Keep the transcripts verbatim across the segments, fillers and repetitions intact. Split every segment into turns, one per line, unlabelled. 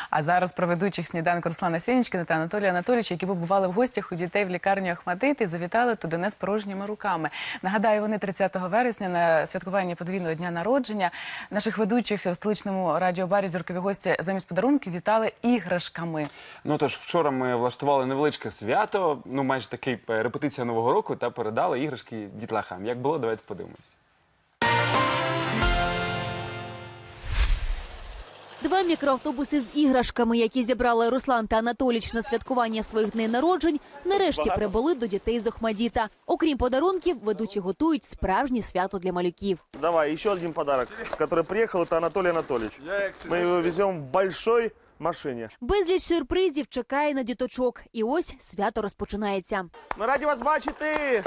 А зараз про ведучих сніданку Руслана Сєнічкіна та Анатолія Анатолійовича, які побували в гостях у дітей в лікарні Охматдит і завітали туди не з порожніми руками. Нагадаю, вони тридцятого вересня на святкуванні подвійного дня народження наших ведучих в столичному радіобарі «Зіркові гості» замість подарунків вітали іграшками.
Ну тож, вчора ми влаштували невеличке свято, ну майже такий репетиція Нового року, та передали іграшки дітлахам. Як було, давайте подивимось.
Два мікроавтобуси з іграшками, які зібрали Руслан та Анатолійович на святкування своїх днів народжень, нарешті прибули до дітей з Охмаддита. Окрім подарунків, ведучі готують справжнє свято для малюків.
Давай, еще один подарок, который приехал, это Анатолий Анатольевич. Мы его везем в большой машине.
Безліч сюрпризів чекає на діточок. І ось свято розпочинається.
Ми раді вас бачити!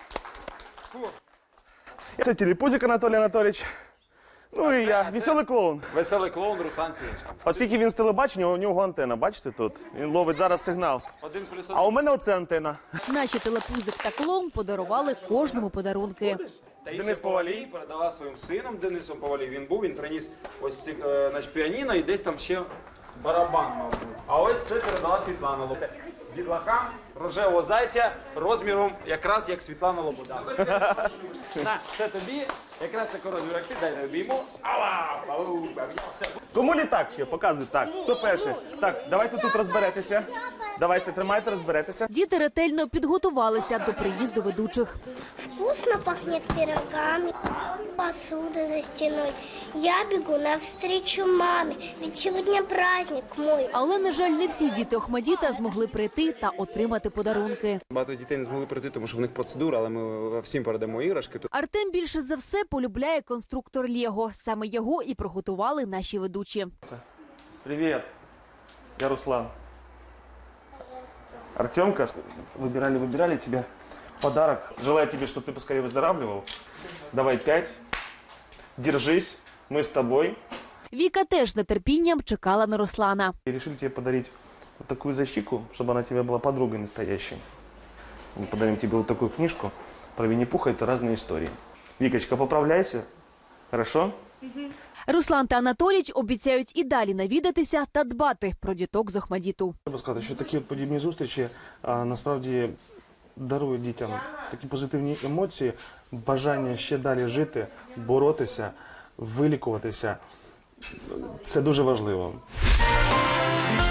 Це телепузик Анатолій Анатольевич. Ну і я, веселий клоун.
Веселий клоун Руслан Сєнічкін.
Оскільки він з телебачення, у нього антенна, бачите тут? Він ловить зараз сигнал.
Один плюс
А у мене оце антенна.
Наші телепузик та клоун подарували кожному подарунки.
Денис Повалій передала своїм сином Денисом Повалій. Він був, він приніс ось ці, е, значить, піаніно і десь там ще барабан, мабуть. А ось це передала Світлана Лобода. Дітлахам рожевого зайця розміром якраз як Світлана Лобода. На, це тобі, якраз такий розмір, як ти, дай не обійму. Ава! Ау!
Кому літак ще? Показуй. Так, хто перший? Так, давайте тут розберетеся. Давайте, тримайте, розберетеся.
Діти ретельно підготувалися до приїзду ведучих.
Вкусно пахнет пирогами, посуда за стеной. Я бегу навстречу маме, ведь сегодня праздник мой.
Але, на жаль, не всі діти Охмаддита змогли прийти та отримати подарунки.
Багато дітей не змогли прийти, тому що в них процедура, але ми всім передамо іграшки.
Артем більше за все полюбляє конструктор Лего. Саме його і приготували наші ведучі.
Привет, я Руслан. Артемка, выбирали, выбирали тебе подарок. Желаю тебе, чтобы ты поскорее выздоравливал. Давай пять. Держись, мы с тобой.
Віка теж з нетерпінням чекала на Руслана.
И решили тебе подарить вот такую защику, чтобы она тебе была подругой настоящей. Мы подарим тебе вот такую книжку про Винни-Пуха, это разные истории. Викочка, поправляйся, хорошо?
Руслан та Анатолійович обіцяють і далі навідатися та дбати про діток з Охмаддиту.
Треба сказати, що такі подібні зустрічі а, насправді дарують дітям такі позитивні емоції, бажання ще далі жити, боротися, вилікуватися. Це дуже важливо.